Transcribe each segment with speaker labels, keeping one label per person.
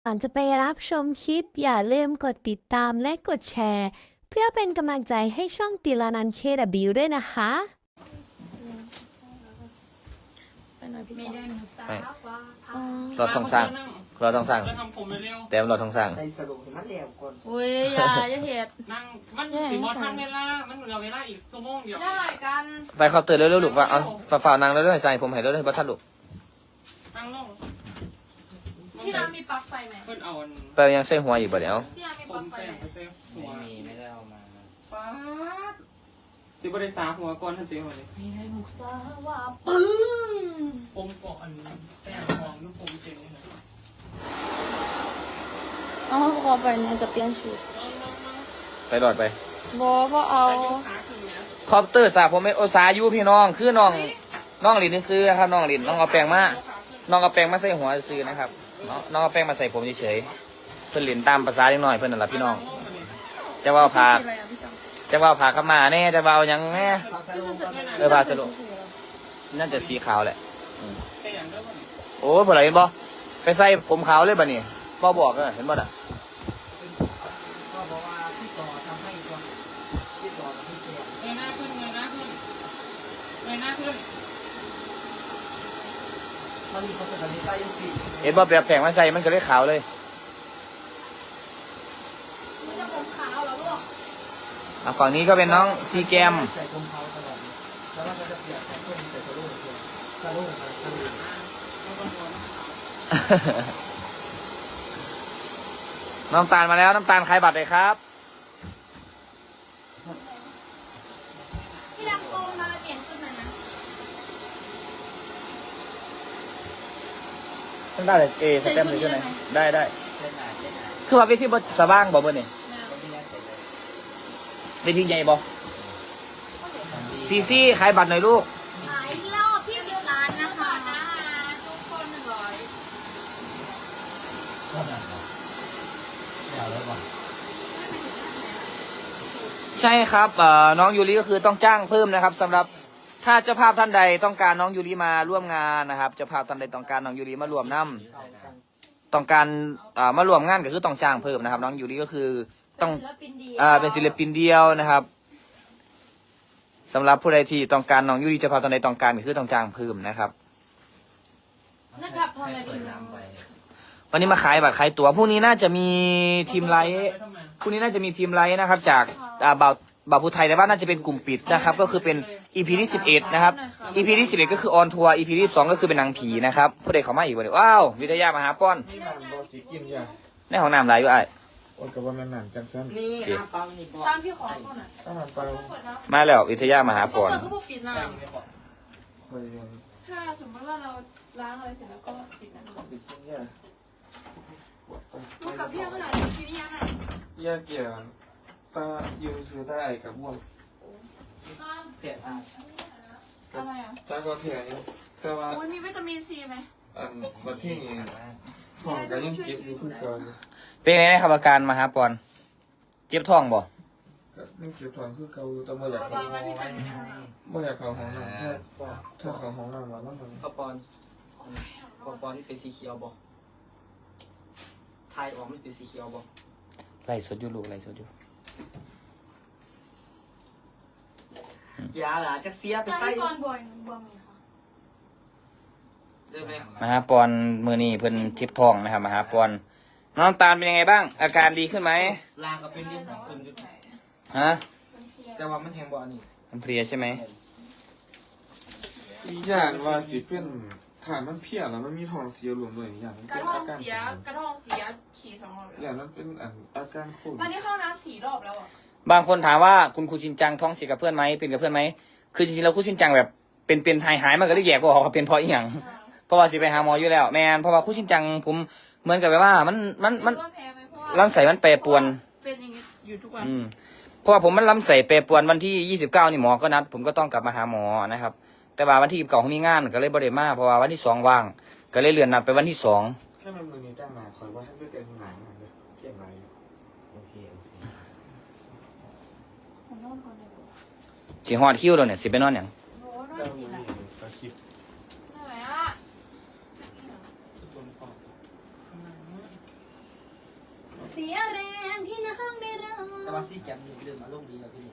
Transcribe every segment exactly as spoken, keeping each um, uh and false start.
Speaker 1: ก่อนจะไปรับชมคลิปอย่าลืมกดติดตามและกดแชร์เพื่อเป็นกำลังใจให้ช่องติลานัน เค ดับเบิลยู ด้วยนะคะ
Speaker 2: ไม่ได้หนูสาวว่า
Speaker 3: เราต้องสร้างเราต้องสร้าง
Speaker 4: จะทำผมเร็ว
Speaker 3: แต่เราต้องสร้าง
Speaker 5: ใส่สรุปให้มันแล้วก่อน
Speaker 2: อุ้ยอย่าอย่าเหตุ
Speaker 4: ๆนั่งมันสิบอทันเวลามันเหลือเวลาอีกชั่วโมงเดียว
Speaker 2: อย่าไหลกัน
Speaker 3: ไปเขาเตือนเร็วๆลูกว่าเอาฝ่าๆนางเร็วๆใส่ผมให้เร็วๆบัตรลูก
Speaker 4: นั่งลง
Speaker 2: พี่น้ำมีปลั๊กไฟไหม
Speaker 4: เพิ่นเอาอัน
Speaker 3: ไปยังใส่หัวอยู่บ่เดี๋ยว
Speaker 2: พี่น้ำมี
Speaker 4: ผ
Speaker 2: ปลั๊
Speaker 4: ม
Speaker 2: กไฟ
Speaker 4: แป้ง
Speaker 2: ไหม
Speaker 4: ไปเซฟหัว
Speaker 5: ไม่มีไม่ได้เอามา
Speaker 4: ป๊าดสิบริษาหัวก่อนทันทีหัวเลย
Speaker 2: มีให้มุกซาว่าปึ้ง
Speaker 4: ผมก่อนแป้งของลูกผมเจ๋งเลย
Speaker 2: เอาขอไปเนี่ยจะเปลี่ยนชุด
Speaker 3: ไปหลอดไป
Speaker 2: บอก็เอา
Speaker 4: แต่ยกขาขึ้นเนี้ย
Speaker 3: คอปเตอร์สาผมไม่โอสายูพี่น้องคือน้องน้องลินนี่ซื้อครับน้องลินน้องเอาแปรงมาน้องเอาแปรงมาใส่หัวซื้อนะครับน้องน้องเอาแปรงมาใส่ผมเฉยๆเพื่อนลินตามภาษาเล็กน้อยเพื่อนนั่นแหละพี่น้องจะว่าพา
Speaker 2: อะไรอ่ะพี่จัง
Speaker 3: จะว่าพาเข้ามาแน่จะว่าเอาหยังแน่
Speaker 5: ฟังสรุปก่อน
Speaker 3: เออพาสรุปน่าจะสีขาวแหละ
Speaker 4: แค่อย่างเดียวก่อน
Speaker 3: โอ้ยพอไหรเห็นบ่ไปใส่ผมขาวเลยบ่นี่บ่บอกเออเห็นบ่น่ะ
Speaker 5: ก็บอกว่าพี่ต่อทำให้ก่อนพี่ต่อทำให้เสีย
Speaker 4: เงยหน้าขึ้นเงยหน้าขึ้นเงยหน้าขึ้น
Speaker 5: มันมีคนสนิทใจยังสี่
Speaker 3: เห็นบ่แบบแผงมาใส่มันก็เลยขาวเลย
Speaker 2: มันจะผมขาวเหรอลูก
Speaker 3: อ่ะฝั่งนี้ก็เป็นน้องซีแกม
Speaker 5: ใส่ผมเขาตลอดแล้วมันก็จะเปลี่ยนใส่ส้นใส่สรุปสรุปสรุป
Speaker 3: น้ำตาลมาแล้วน้ำตาลขายบัตรเลยครับ
Speaker 2: พี่ลำโกงมาเปลี่ยนชุดหน่อยนะ
Speaker 3: ต้องได้เลยเอสแตมป์เลยใช่ไหมได้ได้
Speaker 5: เล่นหนาเล่นหนา
Speaker 3: คือว่าเวทีบสว่างบ่เบิ่นี่
Speaker 5: ก็ไม่ได้ใส่เลย
Speaker 3: เวทีใหญ่บ่ซีซี่ขายบัตรหน่อยลูก
Speaker 2: ขายรอบพี่สิบล้านนะคะทุกคนหนึ่งร้อย
Speaker 5: ก็หนักเดี๋ยวแล้วก่อน
Speaker 3: ใช่ครับเอ่อน้องยูริก็คือต้องจ้างเพิ่มนะครับสำหรับถ้าเจ้าภาพท่านใดต้องการน้องยูริมาร่วมงานนะครับเจ้าภาพท่านใดต้องการน้องยูริมารวมน้ำต้องการอ่ามารวมงานก็คือต้องจ้างเพิ่มนะครับ น้องยูริก็คือต้อง
Speaker 2: ศิลปินเดียว
Speaker 3: อ่าเป็นศิลปินเดียวนะครับสำหรับผู้ใดที่ต้องการน้องยูริเจ้าภาพท่านใดต้องการก็คือต้องจ้างเพิ่มนะครับ
Speaker 2: นะครับทำไม
Speaker 5: เปิ
Speaker 2: พี่
Speaker 5: ด
Speaker 2: น้อง
Speaker 5: น้ำไป
Speaker 3: วันนี้มาขายบัตรขายตั๋วพรุ่งนี้น่าจะมีทีมไลท์
Speaker 4: ทำไม
Speaker 3: พรุ่งนี้น่าจะมีทีมไลท์นะครับ จากอ่าบ่าวบ่าวผู้ไทยแต่ว่าน่าจะเป็นกลุ่มปิดนะครับ ก็คือเป็น อี พี ที่สิบเอ็ดนะครับ อี พี ที่สิบเอ็ดก็คือออนทัวร์ อี พี ที่สิบสองก็คือเป็นนางผีนะครับผู้ใดเข้ามาอีกวันนี้ว้าววิทยามาหาป้อน
Speaker 6: นี่มันบอสิกินอย่าง
Speaker 3: ในห้องน้ำไรอยู่ไอ้
Speaker 6: โอ้ยกับว่ามันหนังจังสั้น
Speaker 5: นี่น้ำเปล่านี่บอก
Speaker 2: ตามพี่ขอก่อนอ่ะ
Speaker 6: ถ้ามันไป
Speaker 2: เปิดน้ำ
Speaker 3: มาแล้ววิทยามาหาป้อน
Speaker 2: เปิดเขาบอกปิดน้
Speaker 4: ใจไม่พอ
Speaker 6: คอยยัง
Speaker 2: ำถ้าสมมติว่าเราล้างอะไรเสร็จแล้วก็ปิดน้ำ
Speaker 6: ปิดที่เนี่ย
Speaker 2: ลูกกับพี่ขนาดพี่นี่ยังไง
Speaker 6: แยกเกี่ยวตาอยู่ซื้อได้กับพวก
Speaker 5: เปลี่ยนอ่ะ
Speaker 2: อะไรอ่ะ
Speaker 6: จ้าก็เถียงอยู่แต่ว่า
Speaker 2: อุ้ยมีวิตามินซีไหม
Speaker 6: อันวันที่นี้ท้องก็ยังเก็บอยู่คือเก่อน
Speaker 3: เป็นไงนะครับอาการมาหาป้อนเจ็บท้องบ่
Speaker 6: ก็ยังเก็บท้องคือเก่าอยู่แต่ไม่อยาก
Speaker 2: วางไว้พี่จันทร์
Speaker 6: ไม่อยากเข้าห้องน้ำถ้าถ้าเข้าห้องน้ำแล้วมัน
Speaker 5: ข้าวปอนข้าวปอนนี่เป็นสีเขียวบอกไทยออกไม่เป็นสีเขียวบอก
Speaker 3: ไล่สดอยู่ลูกไล่สดอยู่
Speaker 5: ยาหลาจะเสียไป
Speaker 2: ตอน
Speaker 5: ใส่
Speaker 2: ที่ก่อนบวมบวมไหมคะ
Speaker 5: เริ่มไหม
Speaker 3: มาหาปอนมือนี้เพิ่นเจ็บท้องนะครับมาหาปอนน้องน้ำตาลเป็นยังไงบ้าง อาการดีขึ้นไหม
Speaker 5: ลาก็เป็นเรื่องของคนจุด
Speaker 3: ฮะ
Speaker 5: แต่ว่ามันแทงบ่อนี่
Speaker 3: มันเพลียใช่ไหม
Speaker 6: อย่างว่าสิเป็นฐานมันเพี้ยแล้วมันมีท้องเสียรวมด้วยอย่างมัน
Speaker 2: กระ
Speaker 6: เป็น
Speaker 2: ท้อ
Speaker 6: อาง การ
Speaker 2: เสียกระท้องเสียขี่สองรอบ
Speaker 6: อย่างนั้นเป็นอันอาการโควิด
Speaker 2: วันนี้เข้าน้ำสี่รอบแล้วอ่ะ
Speaker 3: บางคนถามว่าคุณครูชินจังท้องเสียกับเพื่อนไหมเป็นกับเพื่อนไหมคือจริงๆแล้วครูชินจังแบบเป็นเป็นหายหายมันก็เลยแยกบ่ออกว่าเป็นเพราะอีหยังเพราะว่าสิไปหาหมออยู่แล้วแมนเพราะว่าครูชินจังผมเหมือนกับแบบว่ามันมันมัน
Speaker 2: ก็แพ้ไหมเพราะว่า
Speaker 3: ลำไส้มันแปรปรวน
Speaker 2: เป็นอย่างนี้อยู่ทุกวัน
Speaker 3: อืมเพราะว่าผมมันลำไส้แปรปรวนวันที่ยี่สิบเก้านี่หมอก็นัดผมก็ต้องกลับมาหาหมอนะครับแต่ว่าวันที่ยี่สิบเก้าผมมีงานก็เลยบ่ได้มาเพราะว่าวันที่สองว่างก็เลยเลื่อนนัดไปวันที่สอง
Speaker 6: แค่มันมือนี้ตั้งมาคอยว่าให้ไม่เป็นหนังเลยเพี้ยนไร
Speaker 5: โอเคโอเค
Speaker 2: ผมนอนก่อนเลย
Speaker 3: สิฮอดคิวแล้วเนี่ยสิไปนอนหยัง
Speaker 2: โอ้นอ
Speaker 6: แล้
Speaker 2: น
Speaker 6: ว
Speaker 2: ดี
Speaker 6: มือ
Speaker 2: นะ
Speaker 6: นี้สคริปต์
Speaker 2: เหนื่อยอ่ะ
Speaker 6: ต้นปอก
Speaker 2: เสียแรงที่น้องได้ร้อง
Speaker 5: แต่ว่าซี่แกมนี่เรื่องอารมณ์ดีแล้วที่นี่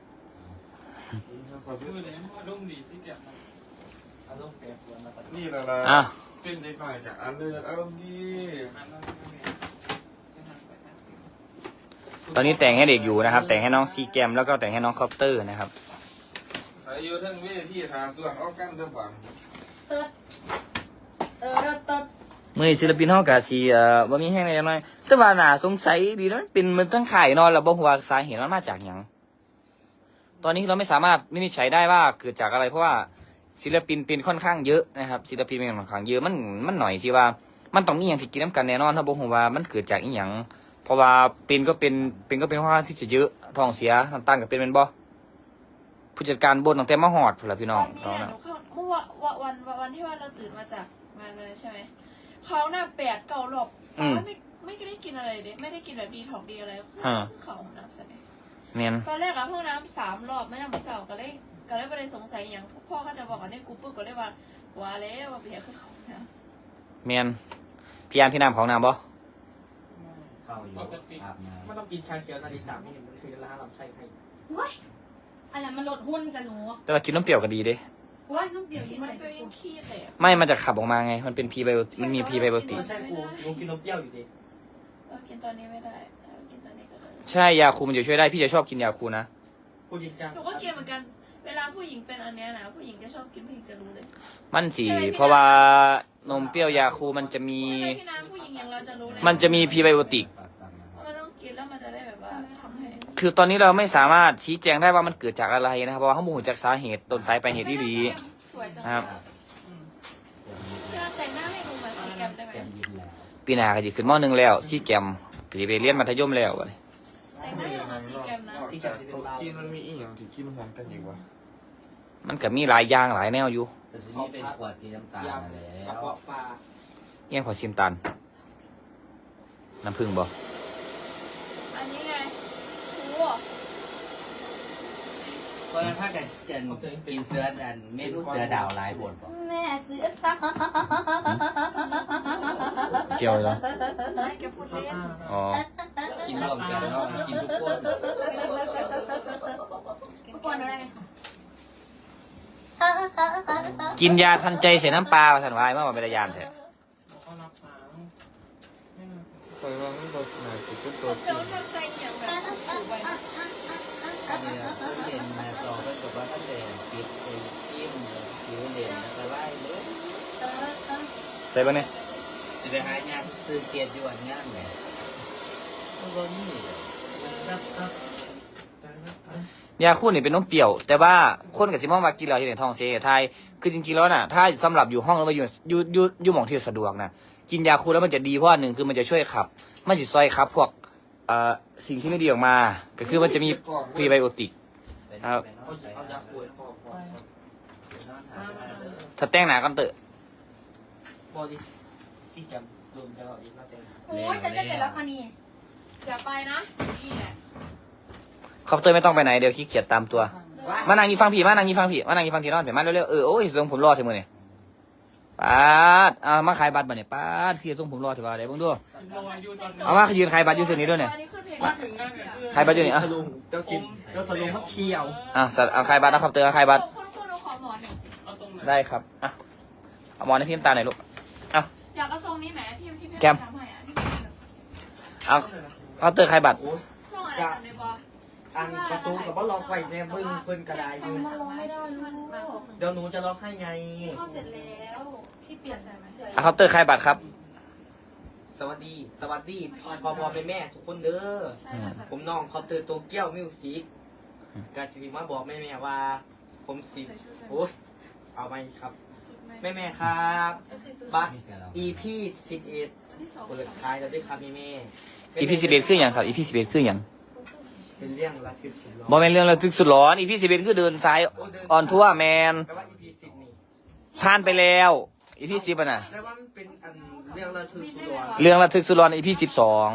Speaker 4: คือเลยว่ารุ่งดีที่เก็บมัน
Speaker 5: อารมณ์แปรปรวนมาตลอด
Speaker 6: นี่แหละล่ะ
Speaker 3: อ่ะ
Speaker 6: เป็นเด็กหน่อยจากอันเลือดอารมณ์ดี
Speaker 4: หันมาไม่มีไม่หันไปทางอื่น
Speaker 3: ตอนนี้แต่งให้เด็กอยู่นะครับ แต่งให้น้องซีแกมแล้วก็แต่งให้น้องคอปเตอร์นะครับ
Speaker 6: อายุทั้งเวทีหาส่วนเอากันเรื่องบัง
Speaker 2: เติร์ดเออเติร์ดเติร์ด
Speaker 3: มื่อนี้ศิลปินเฮากะสิเอ่อบ่มีแห้งอะไรน้อยแต่ว่าน่าสงสัยดีนะมันเป็นมันทั้งข่ายเนอนแล้วบ่ฮู้ว่าสาเหตุมันมาจากหยังตอนนี้เราไม่สามารถวินิจฉัยได้ว่าเกิดจากอะไรเพราะว่าศิลปินเป็นค่อนข้างเยอะนะครับศิลปินเป็นค่อนข้างเยอะมันมันหน่อยที่ว่ามันต้องมีหยังที่กินน้ำกันแน่นอนถ้าบ่ฮู้ว่ามันเกิดจากอีหยังเพราะว่าเป็นก็เป็นเป็นก็เป็นค่อนข้างที่จะเยอะท้องเสียน้ำตาลก็เป็นแม่นบ่ผู้จัดการบ่นตั้งแต่มาฮอดพุ่นล่ะพี่น้อง
Speaker 7: วัน
Speaker 3: ตอน
Speaker 7: นี้
Speaker 3: นั้น
Speaker 7: หนูเข้าเมื่อวันวันวันวันที่ว่าเราตื่นมาจากงานเลยใช่ไหมเขาหน้าแปดเก่าหลบไม่ไม่ได้กินอะไรเลยไม่ได้กินแบบดีถอกดีอะไรคือเขาห้องน้ำใช่ไหม
Speaker 3: แม่น
Speaker 7: ตอนแรกอะห้องน้ำสามรอบไม่ได้มาเสาก็เลยก็เลยไม่ได้สงสัยอย่างพ่อก็จะบอกกันในกูปุ๊บก็เลยว่าว่าแล้วว่าเบียร์คือเขานะ
Speaker 3: แม่นพี่ยามพี่น้ำของน้ำบ่
Speaker 5: เข้าอยู่อาบน้ำไม่ต้องกินชาเขียวนาฬิกาไม่เห็นมันคือร้านลำไส้ให้
Speaker 2: เว้ยอะไรมันลดหุ้นจะหนู
Speaker 3: แต่ว่ากินน้ำเปรี้ยวก็ดีเด้
Speaker 2: เว้ยลูกเดียวกิน
Speaker 7: มัน
Speaker 2: ไหน
Speaker 7: เป็นยังขี้แต่
Speaker 3: ไม่มันจะขับออกมาไง มันเป็นพีไบโอมันมีพีไบโอติ
Speaker 5: ใช่กูกูกินนมเปรี้ยวอยู่ดี
Speaker 7: เออกินตอนนี้ไม่ได้เออกินตอนนี้ก็ได้
Speaker 3: ใช่ยาคูมันจะช่วยได้พี่จะชอบกินยาคูนะ
Speaker 5: พูดจริงจัง
Speaker 7: หนูก็กินเหมือนกันเวลาผู้หญิงเป็นอันเนี้ยนะผู้หญิงจะชอบกินผู้หญิงจะรู้เลย
Speaker 3: มันสีเพราะว่านมเปรี้ยวยาคูมันจะมี
Speaker 7: ใช่ไหมพี่น้ำผู้หญิงอย่างเราจะรู้เลย
Speaker 3: มันจะมีพีไบโอติก
Speaker 7: มันต้องกินแล้วมันจะได้แบบว่าทำให้
Speaker 3: คือตอนนี้เราไม่สามารถชี้แจงได้ว่ามันเกิดจากอะไรนะครับเพราะว่าข้อมูลจากสาเหตุต้นสายปลายเหตุที่ดี
Speaker 7: สวยจัง
Speaker 3: ครับ
Speaker 7: พี่น้ำแต่งหน้าให้ดูมาสีแกมได้ไหม
Speaker 3: ปีหน้าก็จะขึ้นมอหนึ่งแล้วชี้แกมก็จะไปเรียนมัธยมแล้วบัดนี้
Speaker 7: แต่งหน้าให้ดูมาสีแกมนะ
Speaker 6: ที่จากโต๊ะจีนมันมีอีกอย่างที่กินหอมกันอยู่วะ
Speaker 3: มันก็มีหลายอย่างหลายแนวอยู่
Speaker 8: แต่ทีนี้เป็นขวดสีน้ำตาล
Speaker 5: ยา
Speaker 8: นั่นแหละ
Speaker 5: กระเพาะปลา
Speaker 3: เอี้ยงขอชิมตันน้ำผึ้งบ่
Speaker 7: อันนี้ไงโอ้
Speaker 8: ก็นั้นถ้ากันจะกินเสืออันเมนูเสือดาวลายบนป่ะ
Speaker 2: แม่เสือสาว
Speaker 3: เกี่ยวเหรอ
Speaker 7: ไม่แกพูดเล่น
Speaker 3: อ๋อ
Speaker 8: กินรวมกันเนาะกินทุกคน
Speaker 2: ทุกคนอะไร
Speaker 3: กินยาทันใจใส่น้ำปลาสันวายเมื่อวันเป็นยานแท้
Speaker 4: เขารับฟ้าไม่มา
Speaker 6: คอยว่ามันโดนหนาสิเป็น
Speaker 7: ผ
Speaker 6: ตัว
Speaker 7: มจะทำใส่อย่างแบบถูกไป
Speaker 8: เนี่ยตู้เย็นมาต่อเพื่อนกับว่าท่านเด่นปิดไอ้กิ้มผิวเด่นแล้วก็ไล่เลย
Speaker 3: ใส่ปะเนี่ย
Speaker 8: จะไปหางานซื้อเกียรติอยู่อันงานไหนมันก็มีครับครับ
Speaker 3: ยาคูนี่เป็นนมเปรี้ยว แต่ว่าคนกับซิมองว่ากินแล้วที่ไหนท้องเสียไทยคือจริงๆแล้วน่ะถ้าสำหรับอยู่ห้องหรือว่าอยู่อยู่อยู่อยู่หม่องที่สะดวกนะกินยาคูแล้วมันจะดีเพราะว่าหนึ่งคือมันจะช่วยขับมันจะซอยขับพวกเอ่อสิ่งที่ไม่ดีออกมา ก็คือมันจะมีพรีไบโอติก ครับ
Speaker 5: เอาเอายาปวดคอคอ
Speaker 3: ถ้าแต่งหนากันเตอะ
Speaker 5: บอดี้ซี่แกมรวมจะเอาอีกมาเต็ม
Speaker 2: โอ้ยฉันจะเสร็จแล้วค่ะนี่
Speaker 7: อย่าไปนะนี่แหละ
Speaker 3: คอปเตอร์ไม่ต้องไปไหนเดี๋ยวขี้เกียจตามตัว มานั่งยี่ฟังผีมานั่งยี่ฟังผีมานั่งยี่ฟังผีนอนเดี๋ยวมาเร็วๆเออโอ้ยทรงผมรอเถอะมือเนี่ยป้าดอ่ามาขายบัตรมาเนี่ยป้าดคือทรงผมรอเถอะว่าเดี๋ยวเบิ่งดู
Speaker 4: รออยู่ตอน
Speaker 3: เอามายืนขายบัตรอยู่ส่วนนี้ด้วยเนี่ย
Speaker 7: อันนี้ขึ้นเพลง
Speaker 4: มาถึงงานเนี่ยคือ
Speaker 3: ขายบัตรอยู่นี่อ่ะ
Speaker 5: สลุงเจ้าสิบเจ้าสลุงมันเขียว
Speaker 3: อ่ะสัตว์เอาขายบัตรนะคอปเตอร์เอาขายบัตร
Speaker 7: คนคนเอาขอหมอนหนึ่งสิ
Speaker 4: เอาทรงไหน
Speaker 3: ได้ครับอ่ะเอาหมอนให้พี่น้ำตาลหน่อยลูกเอา
Speaker 7: อยากเอาทรงนี้แหมที่ที่พี่
Speaker 3: แกม
Speaker 7: ทำให้อ่ะที่
Speaker 3: เอาคอปเตอร์ขายบัตร
Speaker 5: โอ้ย
Speaker 7: ทรงอะไรกันเลยบอ
Speaker 5: อันประตูกับว่าล็อกไว้แม่เบิ้งเพิ่นกระไดอยู่
Speaker 7: มันลงไม่ได้มันมาครบ
Speaker 5: เดี๋ยวหนูจะล็อกให้ไง
Speaker 7: เข้าเสร็จแล้วพี่เปลี่ยนใจไหม
Speaker 3: เอาคอปเตอร์ขายบัตรครับ
Speaker 5: สวัสดี สวัสดีพ่อพ่อแม่แม่ทุกคนเด้อ
Speaker 7: ใช่ค่ะแบบ
Speaker 5: ผมน้องคอปเตอร์โตเกียวมิวสิกกาจิมาบอกแม่แม่ว่า ผมสิโอ้ยเอาไหมครับ
Speaker 7: สุดไหม
Speaker 5: แม่แม่ครับบัตร
Speaker 8: มีเสือเรา
Speaker 5: อีพีสิบเอ็ด
Speaker 7: ที่สอง
Speaker 5: เปิดขายแล้วด้วยครับแม่แม่
Speaker 3: อีพีสิบเอ็ดคืออย่างครับอีพีสิบเอ็ดคืออย่าง
Speaker 5: เป็นเรื่องระทึกสิ
Speaker 3: บอแมนเรื่องระทึกสุดร้อนอีพีสิบเอ็ดคือเดินซ้ายออนทัวร์แมน
Speaker 5: แปลว่าอีพีสิบนี่
Speaker 3: ผ่านไปแล้วอีพีสิบอ่ะนะ
Speaker 5: แปลว่ามันเป็นอันเรื่องระทึกสุดร้อน
Speaker 3: เรื่องระทึกสุดร้อนในอีพีสิบสอง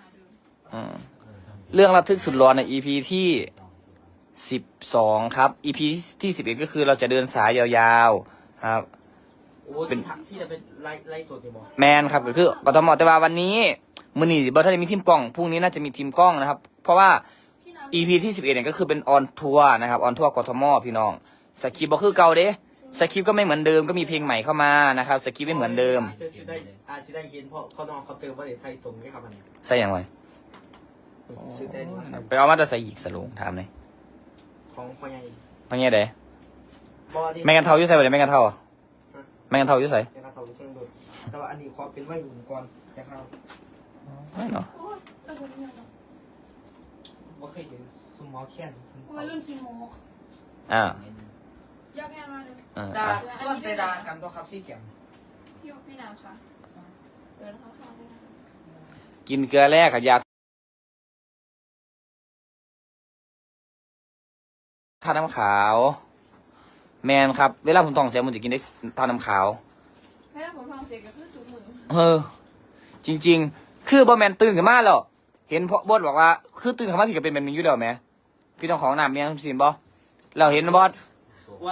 Speaker 3: เรื่องระทึกสุดร้อนในอีพีที่สิบสองครับอีพีที่สิบเอ็ดก็คือเราจะเดินสายยาวๆครับ
Speaker 5: โอ้ที่ถักที่จะเป็นไล่ไล่สดนี่บอก
Speaker 3: แมนครับก็คือกทมแต่ว่าวันนี้มื้อนี้บ่ทันได้มีทีมกล้องพรุ่งนี้น่าจะมีทีมกล้องนะครับ เพราะว่า อี พี ที่สิบเอ็ดเนี่ยก็คือเป็นออนทัวร์นะครับออนทัวร์กทมพี่น้องสคริปต์บ่คือเก่าเด้สคริปต์ก็ไม่เหมือนเดิมก็มีเพลงใหม่เข้ามานะครับสคริปต์ไม่เหมือนเดิม
Speaker 5: จะสิได้อาจจะได้เห็นเพราะเขาน้องเขาเติมว่าเดี๋ยวใส่สมด้วยครับอันนี้
Speaker 3: ใส่หยังไง
Speaker 5: ซื้อแต่นี้ครับ
Speaker 3: ไปเอามาแต่ใส่อีกสลุงถามเลย
Speaker 5: ของพ่อใหญ่
Speaker 3: พ่อเนี่ยเด้
Speaker 5: บอดี้
Speaker 3: แม่กันเท่าอยู่ใส่บ่ได้แม่กันเท่าอะแม่กันเท่าอยู่ใส่
Speaker 5: ยังกระเทาเครื่องดูดแต่ว่าอันนี้ขอเป็นไว้หนุนก่อนจะเข้า
Speaker 3: ไม่เนาะ
Speaker 7: โอ้ยเออเป็นยังไง
Speaker 5: ว่าเคยเห็นซุมมอแคน
Speaker 7: วัยรุ่นคีโม
Speaker 3: อ่า
Speaker 7: ยาแพงมากเลย
Speaker 3: อ่า
Speaker 5: ดา
Speaker 3: อ่ะ
Speaker 5: ส่วนแต่ดากันตัวครับซี่แกม
Speaker 7: พี่พี่น้ำค่ะเดินเข้าๆด้วยนะคะ
Speaker 3: กินเกลือแร่กับยาทาน้ำขาว แมนครับเวลาผมท้องเสียผมจะกินได้ทาน้ำขาว
Speaker 7: ให้ผมทองเสียกับคือจุกมือ
Speaker 3: เออ จริง ๆ คือบอแมนตื่นขึ้นมาแล้วเห็นพ่อบอสบอกว่าคือตื่นขึ้นมาพี่ก็เป็นแบบนี้อยู่แล้วไหมพี่ต้องของน้ำเมียงสินบอเราเห็นบอส
Speaker 5: วัด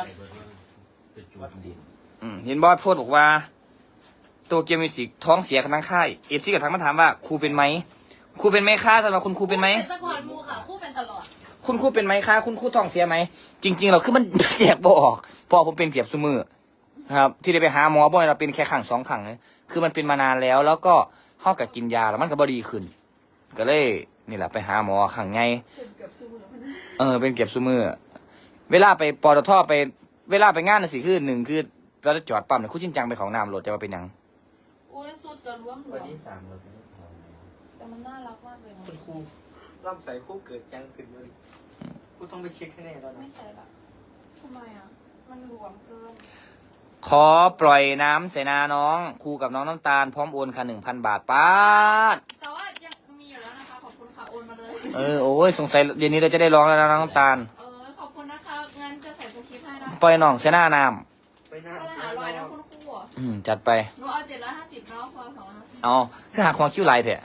Speaker 3: อืมเห็นบอสโพสต์บอกว่า ตัวเกียวมิวสิกท้องเสียกันทั้งค่ายเอฟที่กับทั้งมาถามว่าครูเป็นไหมครูเป็นไหมคะสำหรับคุณครูเป็นไหม
Speaker 2: เป็นตะกอนมูค่ะคู่เป็นตลอด
Speaker 3: คุณครูเป็นไหมคะคุณครูท้องเสียไหมจริง ๆ เราคือมัน แยกบ่ออกเพราะผมเป็นเกียบซุมือนะครับ ที่ได้ไปหาหมอบ่อยเราเป็นแค่ขังสองขังเลยคือมันเป็นมานานแล้ว แล้วก็ห้อกับกินยาแล้วมันก็บ่ดีขึ้น ก็เลยนี่แหละไปหาหมอขังไง
Speaker 7: ถึงเกือบซูมือพนัน
Speaker 3: เออเป็นเก็บซุมือเวลาไปปตทไปเวลาไปงานน่ะสิคือหนึ่งคือเราจะจอดปั๊มเนี่ยคู่จริงจังไปของน้ำรถจะมาเป็นหยัง
Speaker 2: โอ้ยสุดกระล้วมหล
Speaker 8: วัน
Speaker 2: วม
Speaker 8: ที่สามเราเป็นทอง
Speaker 2: แต่มันน่ารักมากเลยนะ
Speaker 5: คุณครูร่ำใส่คู่เกิดยังขึ้นเลยครูต้องไปเช็คให้แน่แล้วนะ
Speaker 2: ไม่ใส่ละ
Speaker 7: ทำไมอ่ะ
Speaker 2: มันหลวมเกิน
Speaker 3: ขอปล่อยน้ำเสนาน้องครูกับน้องน้ำตาลพร้อมโอนค่ะหนึ่งพันบาทป้าด
Speaker 7: แต่ว่ายังมีอยู่แล้วนะคะ ขอบคุณค่ะ โอนมาเลย
Speaker 3: เออโอ้ยสงสัยเย็นนี้เราจะได้ร้องแล้วนะน้องน้ำตาล
Speaker 7: เออ ขอบคุณนะคะ งั้นจะใส่ตัวคลิปให้นะ
Speaker 3: ปล่อยน้องเสนาน้
Speaker 5: ไปหน้า
Speaker 7: ก็เลยหาร้อยนะคุณครูอ่ะ
Speaker 3: ำอืมจัดไป
Speaker 7: หนูเอาเจ็ดร้อยห้าสิบเนาะพอสองร้อยห้าสิบ
Speaker 3: เอาคือหาความคิ้วลายเถอะ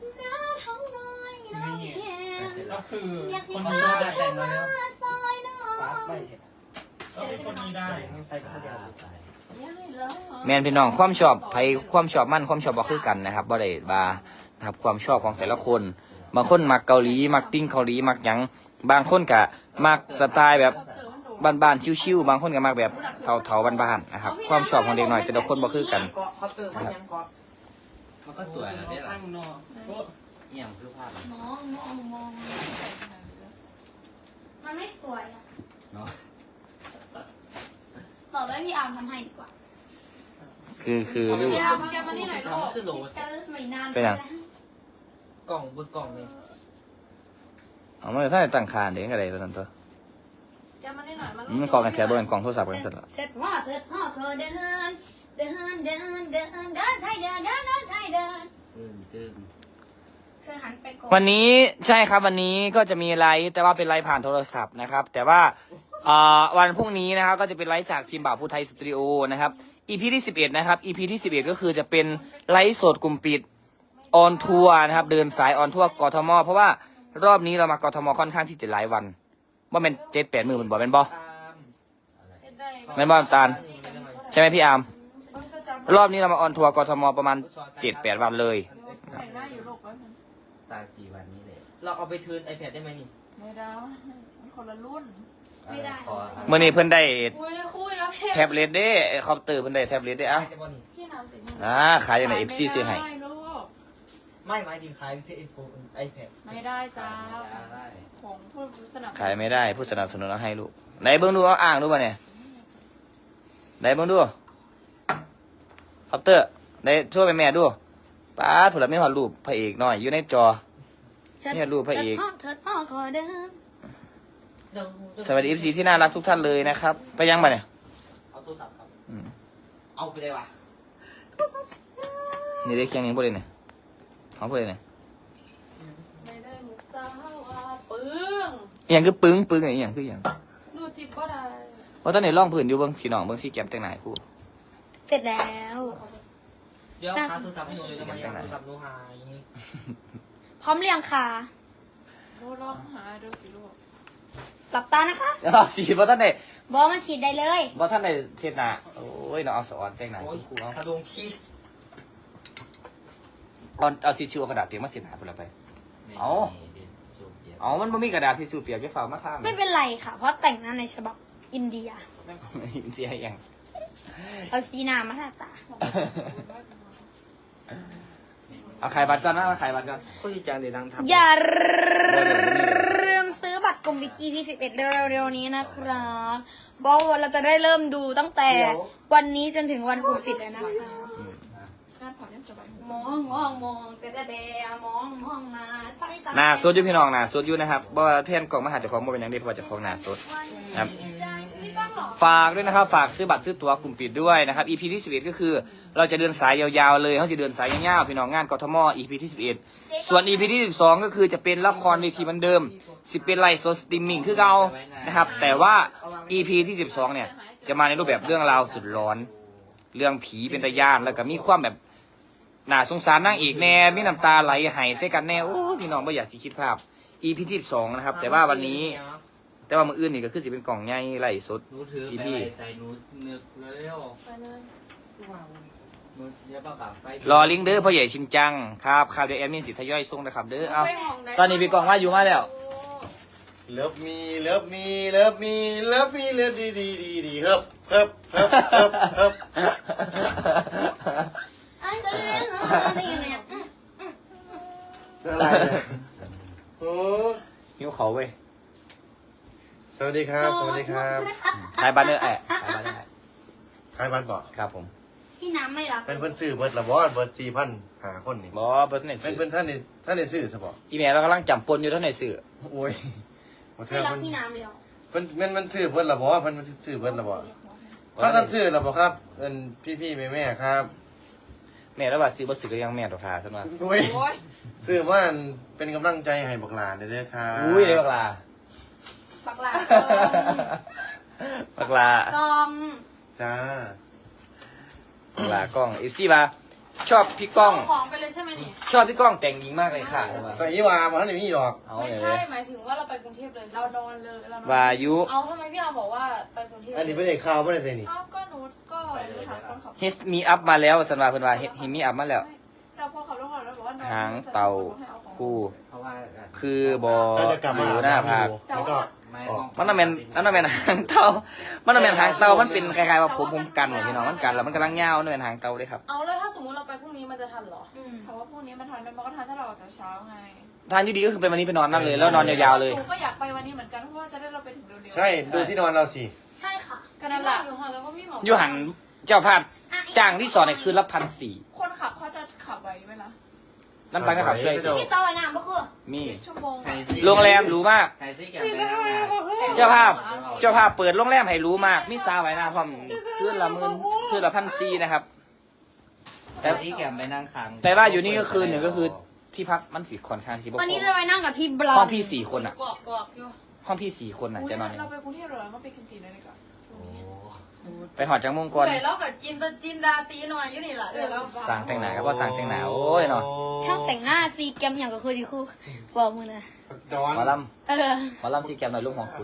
Speaker 4: นี่ก็คือคน
Speaker 8: คน
Speaker 4: นี้
Speaker 8: ตัว
Speaker 4: ได้
Speaker 8: แต่งงานแล้ว
Speaker 5: ฟ้าไปเนี่ย
Speaker 4: ก็เป็นคนนี้ได้
Speaker 5: ใส่ผ้าเดียว
Speaker 7: ยังไงเหรอ
Speaker 3: แมนพี่น้องความชอบไผความชอบมั่นความชอบบ่คือกันนะครับบ่ได้บานะครับความชอบของแต่ละคน บางคนมักเกาหลีมักติ้งเกาหลีมักหยังบางคนก็มักสไตล์แบบ
Speaker 7: เติมมันโดน
Speaker 3: บ้านๆชิวๆบางคนก็มักแบบเถาๆบ้านๆนะครับความชอบของเด็กน้อยแต่ละคนบ่คือกัน
Speaker 5: เกาะเขาเติมว่ายังเกาะ
Speaker 8: มันก็สวยนะเนี่ย
Speaker 4: ข้างนอกก็
Speaker 8: เอี่ยมคือภาพ
Speaker 2: มองมองมอง
Speaker 9: มันไม่สวยอะ
Speaker 8: เนาะ
Speaker 9: ต่อไปพี่อาร์มทำให้ดีกว่า
Speaker 3: คือคือลูก
Speaker 7: พี่อาร์มแกมานี่หน่อยลูก
Speaker 5: คือโหลด
Speaker 9: แค่ไม่นาน
Speaker 3: เป็นหยัง
Speaker 5: กล่องบนกล่องนี่
Speaker 3: เอามาถ้าได้ตั้งคานเด็กอะไรตัวนั้นตัว
Speaker 2: แกมาได้หน่อยมา
Speaker 3: อืมันกองกันแค่บ่เป็นกล่องโทรศัพท์กันเสร็จแล้ว
Speaker 9: เสร็จพ่อเสร็จพ่อเคยเดิน เดิน เดิน เดิน เดินใช่เดิน เดิน เดินใช่เดิน
Speaker 8: อืมจึง
Speaker 9: เคยหันไปก่อน
Speaker 3: วันนี้ใช่ครับวันนี้ก็จะมีไลฟ์แต่ว่าเป็นไลฟ์ผ่านโทรศัพท์นะครับ แต่ว่าเอ่อวันพรุ่งนี้นะครับก็จะเป็นไลฟ์จากทีมบ่าวผู้ไทยสตูดิโอนะครับ อี พี ที่สิบเอ็ดนะครับ อี พี ที่สิบเอ็ดก็คือจะเป็นไลฟ์สดกลุ่มปิดออนทัวร์นะครับเดินสายออนทัวร์กทม เพราะว่ารอบนี้เรามากทมค่อนข้างที่จะหลายวันว่าเป็นเจ็ดแปดมือมันบอกเป็นบอ
Speaker 5: ตาม
Speaker 3: แม่นบ่น้ำตาล ใช่ไหมพี่อาร์มรอบนี้เรามาออนทัวร์กทมประมาณเจ็ดแปดวันเลย
Speaker 7: แต่งหน้าอยู่ลูกไว้มัน
Speaker 8: สามสี่วันนี้เลย
Speaker 5: เราเอาไปเทิร์น iPad ได้ไหมนี่
Speaker 7: ไม่ได้มันคนละรุ่น
Speaker 9: ไม่ได้
Speaker 8: ขอ
Speaker 3: เมื่อนี้เพิ่นได้
Speaker 2: คุยคุยกับพี่
Speaker 3: แท็บเล็ตเด้คอมพิวเตอร์เพิ่นได้แท็บเล็ตเด้อ่ะ
Speaker 5: ได้บ่นี่
Speaker 2: พี่น้ำติด
Speaker 3: อ่าขายอย่างไรเอฟซีซื้อให้
Speaker 7: ไม่ได้ลูก
Speaker 5: ไม่หมายถึงขายซื้อไอโฟน iPad
Speaker 7: ไม่ได้จ้า
Speaker 8: ได้
Speaker 7: ของผู้สนับสนุน
Speaker 3: ขายไม่ได้ผู้สนับสนุนเอาให้ลูกไหนเบิ้งดูเอาอ่างดูป่ะเนี่ยไหนเบิ้งดูคอมพิวเตอร์ไหนช่วยไปแม่ดูป้าถูกแล้วไม่หอดรูปพระเอกหน่อยอยู่ในจอเนี่ยรูปพระเอก
Speaker 9: พ่อเถิดพ่อขอเดิน
Speaker 3: สวัสดีเอฟซีที่น่ารักทุกท่านเลยนะครับ ไปยังป่ะเนี่ย
Speaker 5: เอาโทรศัพท์ครับ
Speaker 3: อืม
Speaker 5: เอาไปเลยว่ะ
Speaker 3: นี่ได้เคียงนี้พูดเลยเนี่ยเขาพูดเลยเนี่ย
Speaker 2: ไม่ได้มุกสาวอ่ะปึ้ง
Speaker 3: อหย่างคือปึ้งปึ้งอะไรอหย่างคืออหย่าง
Speaker 2: ดูสิบ่ได้
Speaker 3: เพราะตอนนี้ร่องพื้นอยู่เบิ้งพี่น้องเบิ้งซีแกมแต่งไหนครู่
Speaker 9: เสร็จแล้ว
Speaker 5: เดี๋ยวหาโทรศัพท์ให้หนูเลยทำไมอะโทรศัพท์หนูหายอย่างนี้
Speaker 9: พร้อมเรียงค่ะ
Speaker 7: ลูกลองหาดูสิลูก
Speaker 9: หลับตานะคะ
Speaker 3: เดี๋ยวสีเพราะท่านไหน
Speaker 9: บอมันฉีดได้เลย
Speaker 3: เพราะท่านไหนเทศนาโอ้ยน้องเอาสอนแต่งไหน
Speaker 5: โอ้ย
Speaker 3: ครู่เอา
Speaker 5: กระดงขี้
Speaker 3: เอาเอาทิชชู่เอากระดาษเปียกมาเสียหายไปแล้วไป เอา อ๋อมันไม่มีกระดาษทิชชู่เปียกจะฝากมาทำ
Speaker 9: ไม่เป็นไรค่ะ เพราะแต่งหน้าในฉบับอินเดีย
Speaker 3: เสียยัง
Speaker 9: เอาสีหน้ามาทาตา
Speaker 3: เอาขายบัตรก่อนนะเอาขายบัตรก่อน
Speaker 5: คนที่จางเดี๋ยวดังทำ
Speaker 9: อย่าลืมซื้อบัตรกลมบิ๊ก อี พี สิบเอ็ดเร็วๆนี้นะครับบอกว่าเราจะได้เริ่มดูตั้งแต่วันนี้จนถึงวันกลุ่มปิดเลยนะคะ
Speaker 7: งานผ่อนยังสบายหู
Speaker 9: มองมองมองแต่แต่แต่มองมองมาใส่ตา
Speaker 3: หน้าสดอยู่พี่น้องหน้าสดอยู่นะครับเพราะว่าเพื่อนกล่องมาหาเจ้าของมาเป็นอย่างเดียวเพราะว่าเจ้าของหน้าสดนะครับ
Speaker 9: พี่ก้องเหรอ
Speaker 3: ฝากด้วยนะครับ ฝากซื้อบัตรซื้อตั๋วกลุ่มปิดด้วยนะครับ อี พี ที่สิบเอ็ดก็คือเราจะเดินสายยาวๆเลยเขาจะเดินสายยาวๆพี่น้องงานกทม อี พี ที่สิบเอ็ดส่วน อี พี ที่สิบสองก็คือจะเป็นละครเวทีเหมือนเดิมสิเป็นไลฟ์สดสตรีมมิ่งคือเก่านะครับแต่ว่า อี พี ที่สิบสองเนี่ยจะมาในรูปแบบเรื่องราวสุดร้อน เรื่องผีเป็นตาย่านแล้วก็มีความแบบน่าสงสารนางเอกแน่มีน้ำตาไหลไหายใส่กันแน่โอ้พี่น้องไม่อยากสิคิดภาพ อี พี ที่สิบสองนะครับแต่ว่าวันนี้ แต่ว่ามืออื่นนี่ก็คือจะเป็นกล่องใหญ่ไล่สด
Speaker 8: หนูถือ
Speaker 3: อี
Speaker 8: ไป
Speaker 3: พี
Speaker 8: ไว้ใส่หนูนึกเร็วหนูอย่าประกาศไป
Speaker 3: รอลิงก์เด้อพ่อใหญ่ชินจังครับครับเดี๋ยวแอดมินสิทยอยส่งนะครับเด้อเอาตอนนี้พี่กล่องว่าอยู่มาแล้ว
Speaker 10: เลิฟมีเลิฟมีเลิฟมีเลิฟมีเลิฟดีดีดีดีเฮิบเฮิบเฮิบเฮิบเฮิบ
Speaker 9: อันเดอร์ได้ยังไงอ่ะ
Speaker 10: อะไรเนี่ยโอ้
Speaker 3: หิวเขาเว้ย
Speaker 10: สวัสดีครับ สวัสดีครับ
Speaker 3: ขายบัตรเด้อแอะขายบัตรเด้อแอะ
Speaker 10: ใครบ้านบอก
Speaker 3: ครับผม
Speaker 9: พี่น้ำไม่รับ
Speaker 10: เป็นเพิ่นซื้อเบิร์ดละบอสเบิร์ดสี่พันหาคนนี่
Speaker 3: บอเบิร์ตเน็ต
Speaker 10: เป็น
Speaker 3: สื่อ
Speaker 10: เพิ่นท่านนี่ท่านนี่ซื้อสบอ
Speaker 3: อีเมลเรากำลังจำปนอยู่เท่าไหร่สื่อ
Speaker 10: โอ้ยหมดเธ
Speaker 9: ไม่
Speaker 10: อ
Speaker 9: รับ
Speaker 10: เพิ่น
Speaker 9: พี่น้ำเลยเหรอ
Speaker 10: เพิ่นมันมันซื้อเบิร์ดละบอสเพิ่นมันซื้อเบิร์ดละบอสถ้าท่านซื้อละบอครับเอินพี่พี่แม่แม่ครับ
Speaker 3: แม่แล้วว่าซื้อบัตรสื่อก็ยังแม่ดอกทาซะมา
Speaker 10: โอ้ย
Speaker 7: โอ้ย
Speaker 10: ซื้อว่าเป็นกำลังใจให้บักหลานเด้อครับ
Speaker 3: อุ้ยเลยบักลา
Speaker 9: ปักหลา
Speaker 3: บักลาก
Speaker 9: อง
Speaker 10: จ้า
Speaker 3: บักลากล้องเอฟซีมาชอบพี่ก้อง
Speaker 2: ของไปเลยใช่ไหมนี่
Speaker 3: ชอบพี่ก้องแต่งหญิงมากเลยค่ะ
Speaker 10: ใส่ยี่วามาท่านนี่มีดอก
Speaker 3: เอา
Speaker 2: ไม่
Speaker 3: เล
Speaker 2: ใช่
Speaker 3: ย
Speaker 2: หมายถึงว่าเราไปกรุงเทพเลย
Speaker 7: เรานอนเลยเรานอน
Speaker 3: วายุ
Speaker 2: เอาทำไมพี่อาบอกว่าไปกรุงเทพ
Speaker 10: อันนี้เป็นเด็กข่าวไม่ได้ใส่นี่
Speaker 7: เอ้าก็หนูก็หนูถามคนขับ
Speaker 3: เฮสมีอัพมาแล้วสันวาเพิ่นว่าเฮมีอัพมาแล้ว
Speaker 7: เราพอขับรถขับรถบอกว่านอน
Speaker 3: หางเต่าคู่
Speaker 8: เพราะว่า
Speaker 3: คือบอ
Speaker 10: ถ้าจะกลับมา
Speaker 3: อยู่หน้าผาก
Speaker 10: แล้วก็
Speaker 8: ไม่
Speaker 10: ออก
Speaker 3: มันต้องเป็นมันต้องเป็นหางเต่ามันต้องเป็นหางเต่ามันเป็นคล้ายๆว่าผมผมกันเหมือนพี่น้องมันกันแล้วมันกำลังยาวนั่นเป็นหางเต่าเลยครับ
Speaker 2: เอาแล้วถ้าสมมติเราไปพรุ่งนี้มันจะทันเหรอ
Speaker 9: อืม
Speaker 7: ถามว่าพรุ่งนี้มันทันไหมมันก็ทันถ้าเราออกจากเช้าไง
Speaker 3: ทางที่ดีก็คือเป็นวันนี้ไปนอนนั่นเลยแล้วนอนยาวๆเลย
Speaker 7: หนูก็อยากไปวันนี้เหมือนกันเพราะว่าจะได้เราไปถึงเร็วๆ
Speaker 10: ใช่ดูที่นอนเราสิ
Speaker 9: ใช่ค่ะ
Speaker 7: ก็นั่นแหละ
Speaker 2: อยู่ห่างแล้วก็พี่หมอ
Speaker 3: อยู่หันเจ้าภาพจ้างที่สอนเนี่ยคือละพันสี่
Speaker 7: คนขับเขาจะขับไหวไหมล่ะ
Speaker 3: น้ำตังค์ก็ขับช่วยสิ
Speaker 9: พี่เตาไอ้น้ำก็คือ
Speaker 3: มี
Speaker 7: ชั่วโมง
Speaker 8: ใครซิ
Speaker 3: โรงแรมหรูมาก
Speaker 8: ใครซิแกไปทำงาน
Speaker 3: เจ้าภาพเจ้าภาพเปิดโรงแรมให้หรู้มากมีซาวไว้หน้าพร้อมคืนละหมื่นคืนละพันสี่นะครับ
Speaker 8: ใครซิแกไปนั่งค้าง
Speaker 3: แต่ว่าอยู่นี่ก็คือหนึ่งก็คือที่พักมันสีค่อนข้างสีบก
Speaker 9: วันนี้จะไปนั่งกับพี่บลอ
Speaker 3: ห้อน งพี่สี่คนอ่ะ
Speaker 2: กรอบกรอบอยู่
Speaker 3: ห้องพี่สี่คนอ่ะจะนอน
Speaker 7: เราไปกรุงเทพเหรอเราไปกินตีนเลยดีกว่า
Speaker 3: ไปหอดจังมงกร
Speaker 2: เดี๋ยวเรากับกินตะจินดาตีหน่อยอยู่นี่แหละเดี๋ยวเรา
Speaker 3: สั่งแต่งหนาครับว่าสั่งแต่งหนาโอ้ยเนาะ
Speaker 9: ช่างแต่งหน้าซีแกมอย่างก็คือดีคู่บอกมึงนะ
Speaker 10: ดอน
Speaker 3: หมอล
Speaker 9: เออ
Speaker 3: ำหมอลำซีแกมหน่อยลูกหัวกุด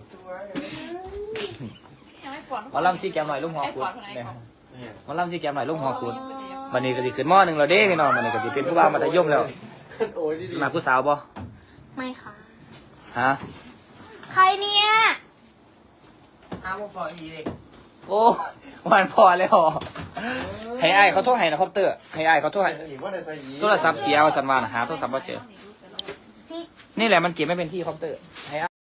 Speaker 7: ยังไม่ปวด
Speaker 3: หมอลำซีแกมหน่อยลูกหัว
Speaker 7: ไอ้
Speaker 3: กุ
Speaker 7: ป
Speaker 3: ด
Speaker 7: วดคนไหน
Speaker 3: เนี่ย
Speaker 7: ก่อน
Speaker 3: หมอลำซีแกมหน่อยลูกหัวกุดวันนี้ก็จะขึ้นหม้อหนึ่งเราเด้พี่น้องวันนี้ก็จะเป็นผู้บ่าวมัธยมแล้ว
Speaker 10: โอ้ยดี
Speaker 3: มาผู้สาวบ่
Speaker 9: ไม่ค่ะ
Speaker 3: ฮะ
Speaker 9: ใครเนี่ย
Speaker 5: ห้ามว่าพออีเด็ก
Speaker 3: โอ้วันพอแล้วเหรอให้ไอ้ายเขาโทรให้นะคอปเตอร์ให้ไอ้ายเขาโทรให้
Speaker 10: อีกว่าในใส่อี
Speaker 3: โทรศัพท์เสียว่าสันวานหาโทรศัพท์ว่าเจอ นี่แหละมันเก็บไม่เป็นที่คอปเตอร์ให้อ้าย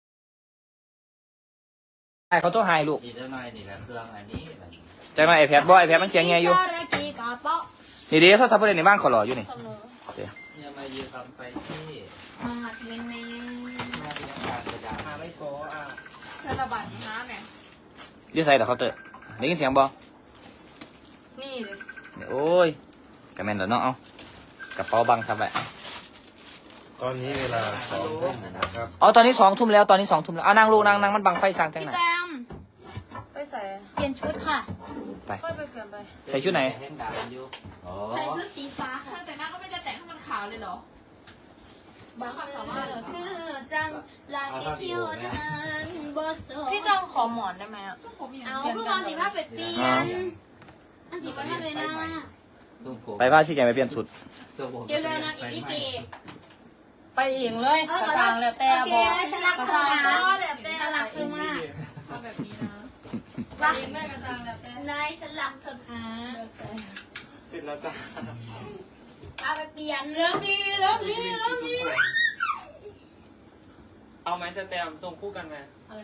Speaker 3: อ้ายเขาโทรให้ลูก
Speaker 8: อีกสักหน่อยนี่แหละเครื่องอันนี้แบบนี้
Speaker 3: ใจมาไอแพดบ่ไอแพดมันเจียงไงอยู่
Speaker 9: ซารากิกาเปาะ
Speaker 3: นี่เดี๋ยวโทรศัพท์ประเด็นในบ้านขอรออยู่นี่
Speaker 2: เสมอ
Speaker 8: เนี่ยมายืนคำไปที่
Speaker 9: มาดเป็นแมง
Speaker 8: มาที่ทำการประจำ
Speaker 10: มาไม่โกอ่ะ
Speaker 7: เซราบันน้ำเนี่ย
Speaker 3: อยูใส่แต่เคาน์เตอร์ได้ยินเสียงบ่
Speaker 2: นี่เลย
Speaker 3: นี่โอ้ยกระแมนเดี๋ยวน้องเอากระเป๋าบังทำไว้
Speaker 10: ตอนนี้เวลาสองทุ่มนะครับ
Speaker 3: อ๋อตอนนี้สองทุ่มแล้วตอนนี้สองทุ่มแล้วเอานั่งลูกนั่งนั่งมันบังไฟสร้างจัง
Speaker 9: พี่
Speaker 3: ไหน
Speaker 9: แตม
Speaker 2: ไปใส่
Speaker 9: เปลี่ยนชุดค่ะ
Speaker 3: ไป
Speaker 2: ค่อยไปเปลี่ยนไป
Speaker 3: ใส่ชุดไหน
Speaker 8: เล่นดาบอยู่อ๋อ
Speaker 9: ใส่ชุดสีฟ้าค่ะ
Speaker 7: แต่หน้าก็ไม่ได้แต่งให้มันขาวเลยเหรอ บางความสามารถ
Speaker 9: คือจังลาสิคิวนั้นบ่ส
Speaker 2: พี่จองขอหมอนได้ไหมอ่ะ
Speaker 7: ซึ่งผมอย่าง
Speaker 9: เอาเพื่อเอาสีผ้าเป็ดเปลี่ยนอันสีฟ้าเป็นหน้า
Speaker 8: ทรงผม
Speaker 3: ไปพาซี่แกไปเปลี่ยนชุด
Speaker 8: ทรงผม
Speaker 9: เร็วๆนะอีกนิดเดียว
Speaker 2: ไปเองเลย
Speaker 9: เออก
Speaker 2: ระซังแล้วแต่
Speaker 9: โอเค
Speaker 2: บอก
Speaker 9: ฉันรัก
Speaker 2: กระ
Speaker 9: เธอ
Speaker 2: ซัง
Speaker 9: นะ
Speaker 2: ก็แล้วแต่
Speaker 9: ฉันรักเธอมาก
Speaker 7: ทำแบบนี้นะ
Speaker 9: ว่า
Speaker 2: เองแม่กระซังแล้วแต่
Speaker 9: นายฉันรักเธอนะ
Speaker 4: เสร็จแล้วจ้ะ
Speaker 9: เอาไปเปลี่ยน
Speaker 2: เริ่มดีเริ่มดีเริ่มดี
Speaker 4: เอาไหมสแตมส่งคู่กันไหม
Speaker 2: อะไร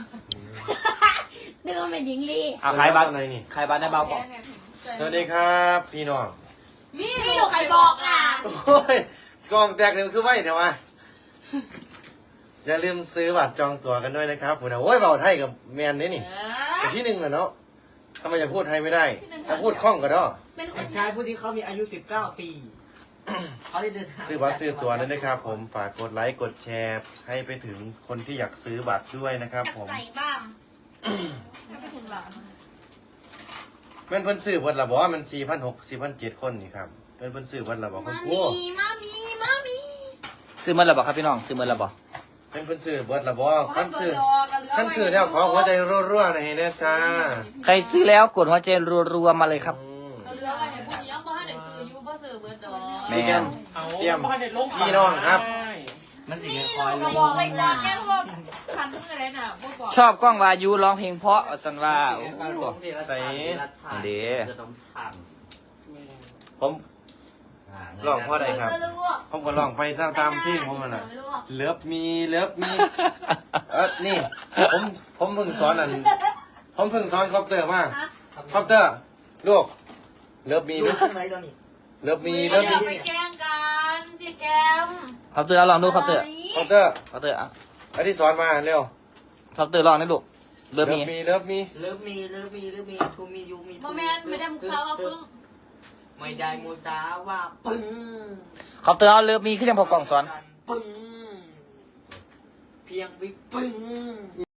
Speaker 9: เดินไปหญิงลี
Speaker 3: เอาขายบัตร
Speaker 10: อะไรนี่
Speaker 3: ขายบัตรได้เบาก่อน
Speaker 10: สวัสดีครับพี่น้อง
Speaker 2: มี
Speaker 9: พี่หนูใครบอกล่ะ
Speaker 10: โอ้ยกล้องแตกหนึ่งคือไม่เดี๋ยวมาอย่าลืมซื้อบัตรจองตั๋วกันด้วยนะครับผมนะโอ้ยเบาไทยกับแมนนี่นี่แต่ที่หนึ่งเหรอเนาะทำไมจะพูดไทยไม่ได้ถ้าพูดคล่องก็ได้
Speaker 9: เป็นค
Speaker 5: เด็
Speaker 9: น
Speaker 5: กชายผู้ที่เขามีอายุสิบเก้าปี เขาได้เดินทาง
Speaker 10: ซื้อบัตรซื้อตั๋วด้วยนะครับ ผมฝากกดไลค์กดแชร์ให้ไปถึงคนที่อยากซื้อบัตรด้วยนะครับ
Speaker 9: อยาก
Speaker 10: ผม
Speaker 9: ใส่บ้าง
Speaker 7: ให้ไปถึงหลาน
Speaker 10: แม่นเพิ่นซื้อเพิ่นละบอกว่ามันสี่พันหกสี่พันเจ็ดคนนี่ครับเพิ่นเพิ่นซื้อเพิ่นละบอกคุ
Speaker 9: มา
Speaker 10: ณครู
Speaker 9: มีมามีมามี
Speaker 3: ซื้อเมื่อไรบอกครับพี่น้องซื้อเมื่อไรบอก
Speaker 10: เพิ่นเพิ่นซื้อเพิ่นละบอกขั้นซื้อขั้นซื้อแล้วขอหัวใจรัวๆหน่อยนะจ้า
Speaker 3: ใครซื้อแล้วกดหัวใจรัวๆมาเลยครับ
Speaker 10: อืม
Speaker 2: ก็เหลือไปให้ผู้หญิงบ่ให้ได้ซื้ออยู่บ่ซื้อเบิดดอก
Speaker 3: แม่
Speaker 10: พี่แกม
Speaker 4: เอา
Speaker 10: เตรียม
Speaker 4: บ้านเด็ดลง
Speaker 10: พี่น้องครับ
Speaker 8: มันสิคอยล
Speaker 7: ก็
Speaker 8: ง
Speaker 7: บอกไปก่อนแค่ว่าพันเพื่ออะไรน่ะบอกบอก
Speaker 3: ชอบกล้องวายุร้องเพลงเพราะสันว่าโอ้โห
Speaker 10: ใส่
Speaker 3: เด้
Speaker 8: ขนมถัง
Speaker 10: ผม ลองพ่อใดครับ
Speaker 9: ไม่รู้อะ
Speaker 10: ผมก็ลองไปตามตามที่ผมนั่นน่ะ
Speaker 9: ไม่รู้อะ
Speaker 10: เลิฟมีเลิฟมีเออนี่ผมผมเพิ่งสอนอันผมเพิ่งสอนคอปเตอร์มาคอปเตอร์ลูกเลิฟมี
Speaker 5: ดู
Speaker 10: ลูก
Speaker 5: ข้างในตอนนี้
Speaker 10: เลิฟมี
Speaker 2: อ
Speaker 10: เลิฟ
Speaker 2: ย่า
Speaker 10: มี
Speaker 2: ไปแกล้งกันสิแกม
Speaker 3: ครับเตอร์เอาลองดูครับเตอร์
Speaker 10: คอปเตอร์
Speaker 3: ครับเตอร์อ่ะ
Speaker 10: อันที่สอนมาเร็ว
Speaker 3: ครับเตอร์ลองได้ลูกเริ่มมี
Speaker 10: มีเลิฟมี
Speaker 5: เลิฟมีเลิฟมีเลิฟมีทูมียูมี
Speaker 2: บ่แม่นไม่ได้มุกสาวเอาปึ้ง
Speaker 5: ไม่ได้มูสาว่าปึ้ง
Speaker 3: ครับเตอร์เอาเริ่มมีขึ้นยังพอกล่องสอน
Speaker 5: ปึ้งเพียงวิปึ้ง